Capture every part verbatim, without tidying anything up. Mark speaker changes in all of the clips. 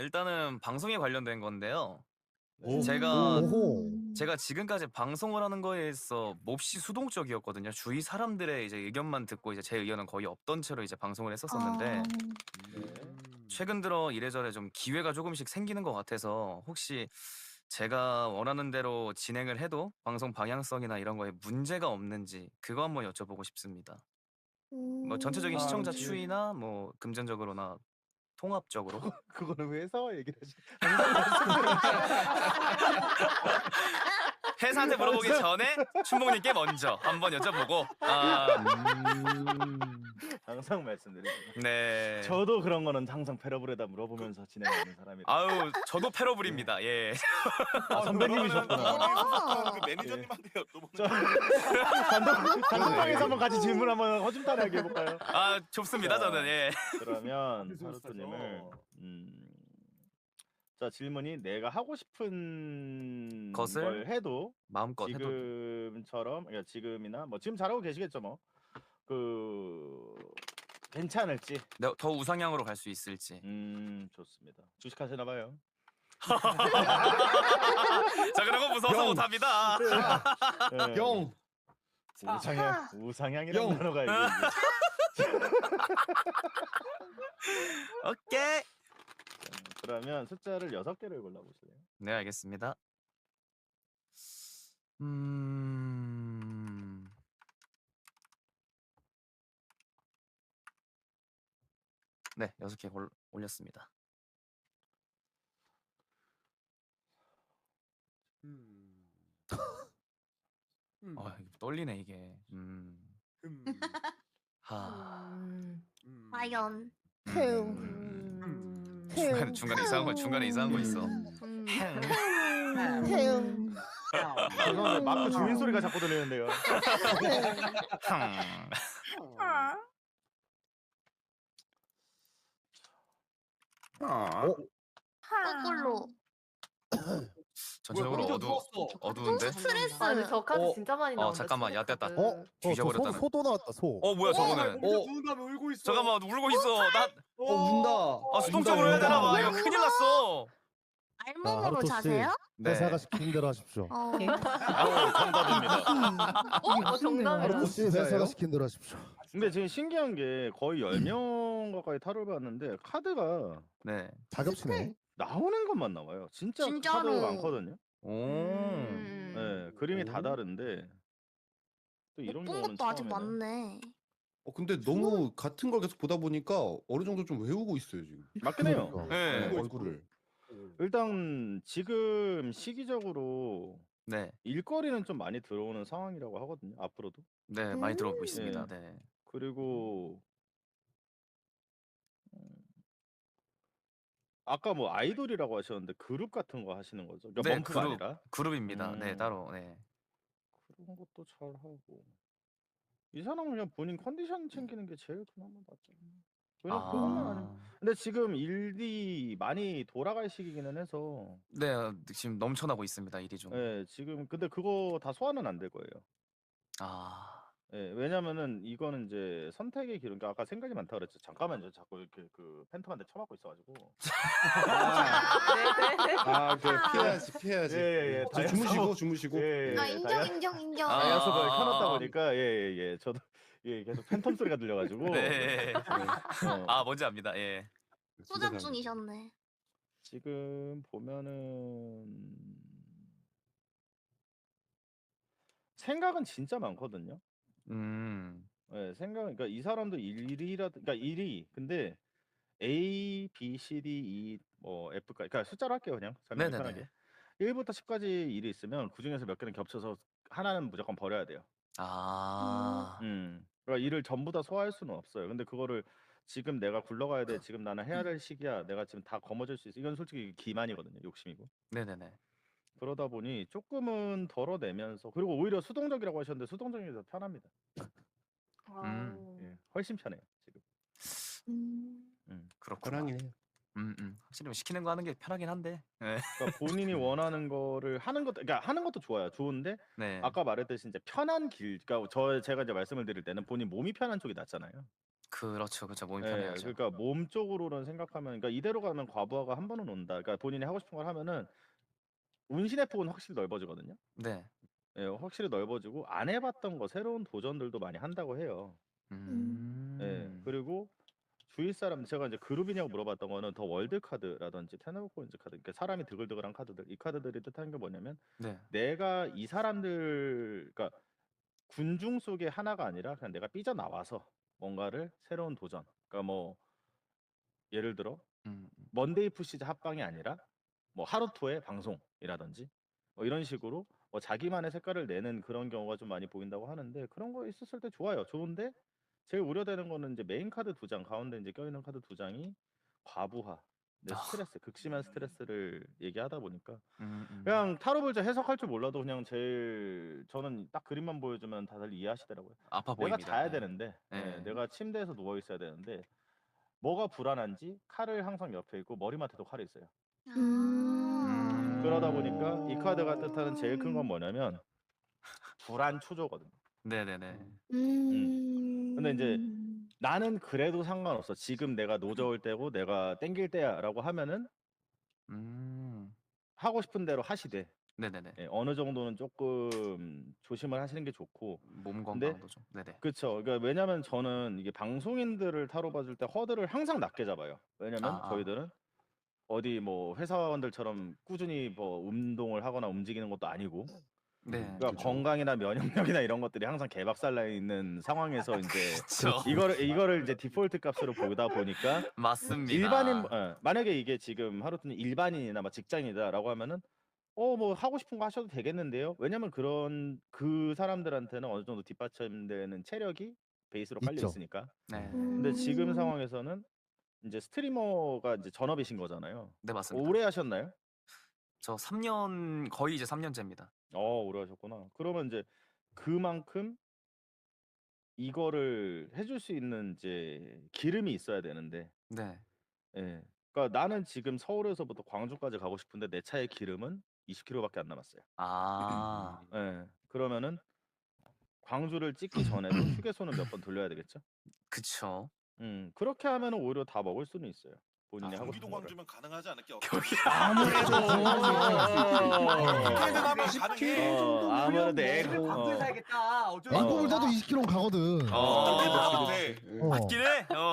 Speaker 1: 일단은 방송에 관련된 건데요.
Speaker 2: 오.
Speaker 1: 제가
Speaker 2: 오호.
Speaker 1: 제가 지금까지 방송을 하는 거에 있어 몹시 수동적이었거든요. 주위 사람들의 이제 의견만 듣고 이제 제 의견은 거의 없던 채로 이제 방송을 했었었는데
Speaker 3: 아,
Speaker 2: 네.
Speaker 1: 최근 들어 이래저래 좀 기회가 조금씩 생기는 것 같아서 혹시 제가 원하는 대로 진행을 해도 방송 방향성이나 이런 거에 문제가 없는지 그거 한번 여쭤보고 싶습니다. 뭐 전체적인
Speaker 3: 음.
Speaker 2: 아,
Speaker 1: 시청자
Speaker 2: 그-
Speaker 1: 추이나 뭐 금전적으로나 통합적으로
Speaker 2: 그거는 회사와 얘기를 하시.
Speaker 1: 회사한테 물어보기 전에 춘봉님께 먼저 한번 여쭤보고 아,
Speaker 2: 음, 항상 말씀드리죠.
Speaker 1: 네.
Speaker 2: 저도 그런 거는 항상 패러블에다 물어보면서 진행하는 사람이라.
Speaker 1: 아유 저도 패러블입니다. 예.
Speaker 2: 아, 선배님이셨구나.
Speaker 3: 아.
Speaker 4: 그 매니저님한테 여쭤보는
Speaker 2: 저 단독 단독방에서 한번 같이 질문 한번 허심탄회하게 해볼까요?
Speaker 1: 아 좋습니다.
Speaker 2: 자,
Speaker 1: 저는 예.
Speaker 2: 그러면 하루토님을 음, 자 질문이 내가 하고 싶은
Speaker 1: 것을
Speaker 2: 걸 해도
Speaker 1: 마음껏 해도
Speaker 2: 지금처럼 그러니까 지금이나 뭐 지금 잘하고 계시겠죠 뭐 그 괜찮을지.
Speaker 1: 네, 더 우상향으로 갈 수 있을지.
Speaker 2: 음 좋습니다. 주식하시나 봐요.
Speaker 1: 자 그런 거 무서워서
Speaker 5: 영.
Speaker 1: 못합니다.
Speaker 2: 네.
Speaker 5: 영.
Speaker 2: 우상향 우상향이라는
Speaker 5: 영.
Speaker 2: 단어가 이게
Speaker 1: 오케이.
Speaker 2: 그러면 숫자를 여섯 개를 골라보실래요?
Speaker 1: 네 알겠습니다. 음. 네 여섯 개 골 올렸습니다.
Speaker 4: 음.
Speaker 1: 아 이거 떨리네 이게. 음.
Speaker 4: 음.
Speaker 1: 하.
Speaker 3: 음.
Speaker 4: 음.
Speaker 3: 과연.
Speaker 1: 음. 중간 중간에 이상한 거 중간에 이상한 거 있어.
Speaker 3: 음.
Speaker 2: 죄송한데 마크 주민 소리가 자꾸 들리는데요.
Speaker 4: 아.
Speaker 5: 어?
Speaker 3: 거꾸로.
Speaker 1: 전체적으로
Speaker 4: 뭐야,
Speaker 1: 어두 어두운데.
Speaker 3: 스트레스.
Speaker 6: 아니 저 카드
Speaker 5: 어,
Speaker 6: 진짜 많이
Speaker 1: 어,
Speaker 6: 나온다.
Speaker 1: 잠깐만, 야, 됐다.
Speaker 6: 카드.
Speaker 5: 어? 어, 저 소,
Speaker 1: 뒤져버렸다는.
Speaker 5: 소도 나왔다 소.
Speaker 1: 어 뭐야 저거는.
Speaker 4: 우리
Speaker 5: 어.
Speaker 4: 누운 다음에 울고 있어.
Speaker 1: 잠깐만 울고 있어. 나
Speaker 5: 어 운다.
Speaker 1: 아, 수동적으로 해야 되나 봐. 이거 큰일 났어.
Speaker 3: 알몸으로
Speaker 5: 하루토 씨.
Speaker 3: 자세요?
Speaker 1: 네.
Speaker 5: 회사가 시키는 대로 하십시오.
Speaker 3: 어.
Speaker 2: 아, 정답입니다.
Speaker 6: 어 정답이다.
Speaker 5: 하루토 씨 회사가 시키는 대로 하십시오.
Speaker 2: 근데 지금 신기한 게 거의 열 명 가까이 타로를 봤는데 카드가
Speaker 1: 네.
Speaker 5: 자격치네.
Speaker 2: 나오는 것만 나와요. 진짜
Speaker 3: 진짜로.
Speaker 2: 카드가 많거든요.
Speaker 1: 오.
Speaker 6: 음.
Speaker 2: 네, 그림이 다
Speaker 5: 오.
Speaker 2: 다른데 또 이런
Speaker 3: 못 본
Speaker 2: 경우는
Speaker 3: 것도 아직
Speaker 2: 처음이네.
Speaker 3: 많네.
Speaker 7: 어 근데 너무 같은 걸 계속 보다 보니까 어느 정도 좀 외우고 있어요 지금.
Speaker 2: 맞긴 해요.
Speaker 5: 그러니까.
Speaker 1: 네.
Speaker 7: 네, 얼굴을.
Speaker 2: 일단 지금 시기적으로
Speaker 1: 네.
Speaker 2: 일거리는 좀 많이 들어오는 상황이라고 하거든요. 앞으로도.
Speaker 1: 네 많이 들어보고
Speaker 2: 네.
Speaker 1: 있습니다. 네.
Speaker 2: 그리고 음, 아까 뭐 아이돌이라고 하셨는데 그룹 같은 거 하시는 거죠? 그러니까
Speaker 1: 네,
Speaker 2: 멈프가
Speaker 1: 그룹.
Speaker 2: 아니라
Speaker 1: 그룹입니다. 네
Speaker 2: 음.
Speaker 1: 따로. 네.
Speaker 2: 그런 것도 잘 하고 이 사람은 그냥 본인 컨디션 챙기는 게 제일 그나마 낫죠. 왜냐 면 그것만 아니면.
Speaker 1: 아.
Speaker 2: 근데 지금 일이 많이 돌아갈 시기기는 해서
Speaker 1: 네 지금 넘쳐나고 있습니다 일이 좀.
Speaker 2: 예, 지금 근데 그거 다 소화는 안 될 거예요.
Speaker 1: 아.
Speaker 2: 예, 왜냐면은 이거는 이제 선택의 기록. 그러니까 아까 생각이 많다 그랬죠. 잠깐만요. 자꾸 이렇게 그 팬텀한테 쳐맞고 있어가지고.
Speaker 6: 네네.
Speaker 7: 아, 그 피해야지, 피해야지.
Speaker 2: 예, 예, 예.
Speaker 7: 저 주무시고, 주무시고.
Speaker 2: 예, 예,
Speaker 3: 아
Speaker 2: 예.
Speaker 3: 인정
Speaker 2: 다이아,
Speaker 3: 인정 인정.
Speaker 1: 아.
Speaker 2: 다이아속을 켜놨다 보니까 예예예 예, 예. 저도 예 계속 팬텀 소리가 들려가지고.
Speaker 1: 네.
Speaker 2: 어,
Speaker 1: 아 뭔지 압니다. 예.
Speaker 3: 소장 중이셨네.
Speaker 2: 지금 보면은 생각은 진짜 많거든요.
Speaker 1: 음.
Speaker 2: 예, 생각, 그러니까 이 사람도 일이라, 그러니까 일이, 근데 A, B, C, D, E, 뭐 F까지, 그러니까 숫자로 할게요 그냥 설명이
Speaker 1: 네네네.
Speaker 2: 편하게. 일부터 십까지 일이 있으면 그 중에서 몇 개는 겹쳐서 하나는 무조건 버려야 돼요.
Speaker 1: 아.
Speaker 2: 음, 그러니까 일을 전부 다 소화할 수는 없어요. 근데 그거를 지금 내가 굴러가야 돼, 지금 나는 해야 될 시기야, 내가 지금 다 거머쥘 수 있어. 이건 솔직히 기만이거든요, 욕심이고.
Speaker 1: 네네네.
Speaker 2: 그러다 보니 조금은 덜어내면서, 그리고 오히려 수동적이라고 하셨는데 수동적이 더 편합니다.
Speaker 1: 음.
Speaker 2: 예, 훨씬 편해요 지금.
Speaker 3: 음.
Speaker 2: 음.
Speaker 1: 그렇구나.
Speaker 7: 편하긴 해요.
Speaker 1: 음, 음. 확실히 뭐 시키는 거 하는 게 편하긴 한데. 네.
Speaker 2: 그러니까 본인이 원하는 거를 하는 것도, 그러니까 하는 것도 좋아요. 좋은데
Speaker 1: 네.
Speaker 2: 아까 말했듯이 이제 편한 길, 그러니까 저 제가 이제 말씀을 드릴 때는 본인 몸이 편한 쪽이 낫잖아요.
Speaker 1: 그렇죠, 그렇죠. 몸이
Speaker 2: 예,
Speaker 1: 편해야죠.
Speaker 2: 그러니까 몸 쪽으로는 생각하면, 그러니까 이대로 가면 과부하가 한 번은 온다. 그러니까 본인이 하고 싶은 걸 하면은 운신의 폭은 확실히 넓어지거든요.
Speaker 1: 네.
Speaker 2: 예, 확실히 넓어지고 안 해봤던 거, 새로운 도전들도 많이 한다고 해요. 예,
Speaker 1: 음.
Speaker 2: 그리고 주위 사람, 제가 이제 그룹이냐고 물어봤던 거는 더 월드 카드라든지 테너코인즈 카드, 그러니까 사람이 드글드글한 카드들, 이 카드들이 뜻하는 게 뭐냐면
Speaker 1: 네.
Speaker 2: 내가 이 사람들, 그러니까 군중 속의 하나가 아니라 그냥 내가 삐져나와서 뭔가를 새로운 도전, 그러니까 뭐 예를 들어
Speaker 1: 음. 음.
Speaker 2: 먼데이 푸시즈 합방이 아니라 뭐 하루토의 방송이라든지 뭐 이런 식으로 뭐 자기만의 색깔을 내는 그런 경우가 좀 많이 보인다고 하는데, 그런 거 있었을 때 좋아요. 좋은데 제일 우려되는 거는 이제 메인 카드 두 장 가운데 이제 껴있는 카드 두 장이 과부하, 내
Speaker 1: 아.
Speaker 2: 스트레스, 극심한 스트레스를 얘기하다 보니까
Speaker 1: 음. 음.
Speaker 2: 그냥 타로 불자 해석할 줄 몰라도 그냥 제일 저는 딱 그림만 보여주면 다들 이해하시더라고요.
Speaker 1: 아파
Speaker 2: 내가
Speaker 1: 보입니다.
Speaker 2: 자야
Speaker 1: 네.
Speaker 2: 되는데, 예,
Speaker 1: 네.
Speaker 2: 내가 침대에서 누워 있어야 되는데 뭐가 불안한지 칼을 항상 옆에 있고 머리맡에도 칼이 있어요.
Speaker 3: 아.
Speaker 2: 그러다 보니까 이 카드가 뜻하는 제일 큰 건 뭐냐면 불안 초조거든요.
Speaker 1: 네네네.
Speaker 3: 음.
Speaker 2: 근데 이제 나는 그래도 상관없어, 지금 내가 노저울 때고 내가 땡길 때야라고 하면은
Speaker 1: 음.
Speaker 2: 하고 싶은 대로 하시되,
Speaker 1: 네네네.
Speaker 2: 예, 어느 정도는 조금 조심을 하시는 게 좋고.
Speaker 1: 몸
Speaker 2: 근데
Speaker 1: 건강도 좀. 네네.
Speaker 2: 그쵸. 그러니까 왜냐면 저는 이게 방송인들을 타로 봐줄 때 허들을 항상 낮게 잡아요. 왜냐면
Speaker 1: 아, 아.
Speaker 2: 저희들은 어디 뭐 회사원들처럼 꾸준히 뭐 운동을 하거나 움직이는 것도 아니고,
Speaker 1: 네.
Speaker 2: 그러니까
Speaker 7: 그쵸.
Speaker 2: 건강이나 면역력이나 이런 것들이 항상 개박살나 있는 상황에서 이제
Speaker 1: 그렇죠.
Speaker 2: 이거를 이거를 이제 디폴트 값으로 보다 보니까
Speaker 1: 맞습니다.
Speaker 2: 일반인, 예, 만약에 이게 지금 하루토니 일반인이나 뭐 직장인이다라고 하면은 어 뭐 하고 싶은 거 하셔도 되겠는데요. 왜냐면 그런 그 사람들한테는 어느 정도 뒷받침되는 체력이 베이스로 깔려
Speaker 5: 있죠.
Speaker 2: 있으니까.
Speaker 1: 네.
Speaker 2: 근데 지금
Speaker 3: 음.
Speaker 2: 상황에서는 이제 스트리머가 이제 전업이신 거잖아요.
Speaker 1: 네, 맞습니다.
Speaker 2: 오래 하셨나요?
Speaker 1: 저 삼 년 거의 이제 삼 년째입니다.
Speaker 2: 어, 오래 하셨구나. 그러면 이제 그만큼 이거를 해줄 수 있는 이제 기름이 있어야 되는데,
Speaker 1: 네.
Speaker 2: 예. 그러니까 나는 지금 서울에서부터 광주까지 가고 싶은데 내 차에 기름은 이십 킬로미터밖에 안 남았어요.
Speaker 1: 아.
Speaker 2: 예. 그러면은 광주를 찍기 전에도 휴게소는 몇 번 돌려야 되겠죠?
Speaker 1: 그쵸.
Speaker 2: 음, 그렇게 하면은 오히려 다 먹을 수는 있어요. 본인이 하고
Speaker 4: 경기도
Speaker 2: 싶은 거를.
Speaker 4: 광주면 가능하지 않을게.
Speaker 1: 경기-
Speaker 2: 아무래도
Speaker 4: 그래도 나면
Speaker 7: 십
Speaker 4: 가능해.
Speaker 7: 킬로미터
Speaker 2: 어,
Speaker 7: 정도면
Speaker 2: 아무래도
Speaker 7: 뭐
Speaker 2: 에고,
Speaker 7: 집에
Speaker 2: 어.
Speaker 6: 살겠다. 어쩔
Speaker 2: 어.
Speaker 5: 인꼬불 타도 이십 킬로미터 가거든.
Speaker 1: 어.
Speaker 4: 그치,
Speaker 7: 어.
Speaker 4: 그치.
Speaker 5: 어.
Speaker 1: 맞긴 해. 어.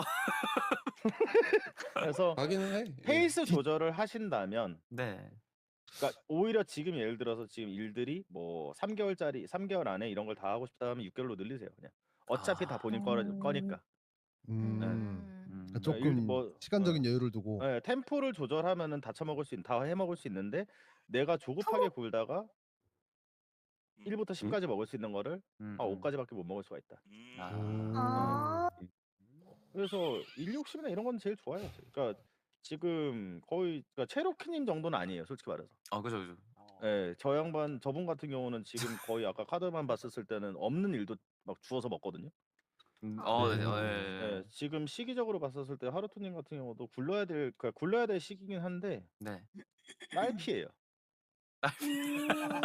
Speaker 2: 그래서
Speaker 7: 가기는 해. 예.
Speaker 2: 페이스 조절을 하신다면,
Speaker 1: 네.
Speaker 2: 그러니까 오히려 지금 예를 들어서 지금 일들이 뭐 삼 개월짜리 삼 개월 안에 이런 걸 다 하고 싶다 하면 육 개월로 늘리세요, 그냥. 어차피
Speaker 1: 아.
Speaker 2: 다 본인 거, 거니까.
Speaker 5: 음.
Speaker 1: 음.
Speaker 5: 그러니까
Speaker 2: 일-
Speaker 5: 조금
Speaker 2: 뭐,
Speaker 5: 시간적인 여유를 두고.
Speaker 2: 예, 템포를 조절하면은 다 처먹을 수 있, 다 해먹을 수 있는데 내가 조급하게 굴다가
Speaker 4: 음.
Speaker 2: 일부터 십까지 먹을 수 있는 거를
Speaker 1: 음.
Speaker 2: 아
Speaker 1: 음.
Speaker 2: 오까지밖에 못 먹을 수가 있다.
Speaker 4: 음.
Speaker 1: 아.
Speaker 3: 아.
Speaker 2: 그래서 일 욕심이나 이런 건 제일 좋아요. 그러니까 지금 거의, 그러니까 체로키님 정도는 아니에요, 솔직히 말해서.
Speaker 1: 아, 그죠, 그죠.
Speaker 2: 예, 저 양반, 저분 같은 경우는 지금 거의 아까 카드만 봤었을 때는 없는 일도 막 주워서 먹거든요.
Speaker 1: 음. 어, 네.
Speaker 5: 네.
Speaker 1: 어, 예,
Speaker 2: 예,
Speaker 1: 예.
Speaker 2: 지금 시기적으로 봤었을 때 하루토님 같은 경우도 굴러야 될, 그러니까 굴러야 될 시기긴 한데
Speaker 1: 네.
Speaker 2: 딸피예요.
Speaker 3: 음.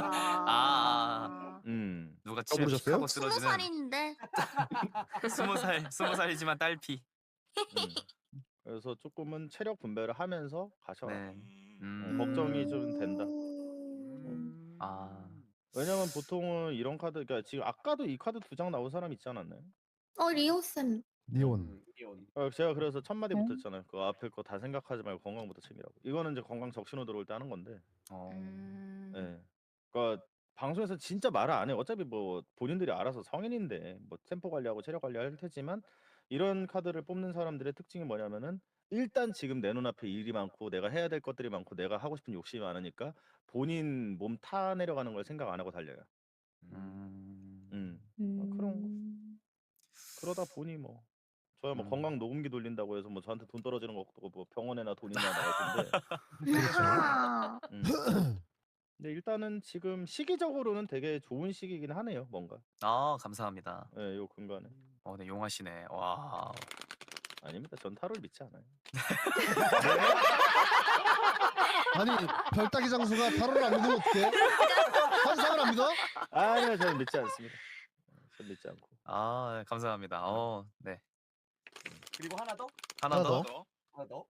Speaker 1: 아.
Speaker 2: 음.
Speaker 1: 누가 치면
Speaker 7: 써보셨어요?
Speaker 1: 픽하고
Speaker 3: 스무
Speaker 1: 쓰러지는
Speaker 3: 살인데.
Speaker 1: 스무 살 스무 살이지만 딸피.
Speaker 2: 음. 그래서 조금은 체력 분배를 하면서 가셔라.
Speaker 1: 네.
Speaker 4: 음.
Speaker 1: 음.
Speaker 2: 걱정이 좀 된다.
Speaker 3: 음.
Speaker 1: 아.
Speaker 2: 왜냐면 보통은 이런 카드, 그러니까 지금 아까도 이 카드 두 장 나온 사람 있지 않았나요?
Speaker 3: 어, 리오쌤.
Speaker 5: 니온.
Speaker 2: 어, 제가 그래서 첫 마디
Speaker 3: 네.
Speaker 2: 붙었잖아요. 그 앞에 거 다 생각하지 말고 건강부터 챙기라고. 이거는 이제 건강 적신호 들어올 때 하는 건데.
Speaker 1: 어.
Speaker 6: 음.
Speaker 2: 예. 그러니까 방송에서 진짜 말을 안 해요. 어차피 뭐 본인들이 알아서 성인인데 뭐 템포 관리하고 체력 관리할 테지만, 이런 카드를 뽑는 사람들의 특징이 뭐냐면은 일단 지금 내 눈앞에 일이 많고 내가 해야 될 것들이 많고 내가 하고 싶은 욕심이 많으니까 본인 몸 타내려가는 걸 생각 안 하고 달려요.
Speaker 1: 음.
Speaker 2: 음. 아, 그런 거. 그러다 보니 뭐 저야 뭐
Speaker 1: 음.
Speaker 2: 건강 녹음기 돌린다고 해서 뭐 저한테 돈 떨어지는 것도 없고 뭐 병원에나 돈 있냐 나갈 텐데.
Speaker 3: 아.
Speaker 2: 음. 근데 일단은 지금 시기적으로는 되게 좋은 시기긴 하네요, 뭔가.
Speaker 1: 아, 감사합니다.
Speaker 2: 예, 요 근간에.
Speaker 1: 어, 네, 용하시네. 와.
Speaker 2: 아닙니다. 전 타로를 믿지 않아요.
Speaker 5: 아니 별따기 장수가 타로를 안 믿으면 어떡해? 환상을 안 믿어?
Speaker 2: 아니요, 저는 믿지 않습니다. 전 믿지 않고.
Speaker 1: 아, 감사합니다. 어, 네.
Speaker 8: 그리고 하나 더?
Speaker 1: 하나
Speaker 5: 하나
Speaker 1: 더.
Speaker 5: 더.
Speaker 4: 더.
Speaker 8: 하나 더?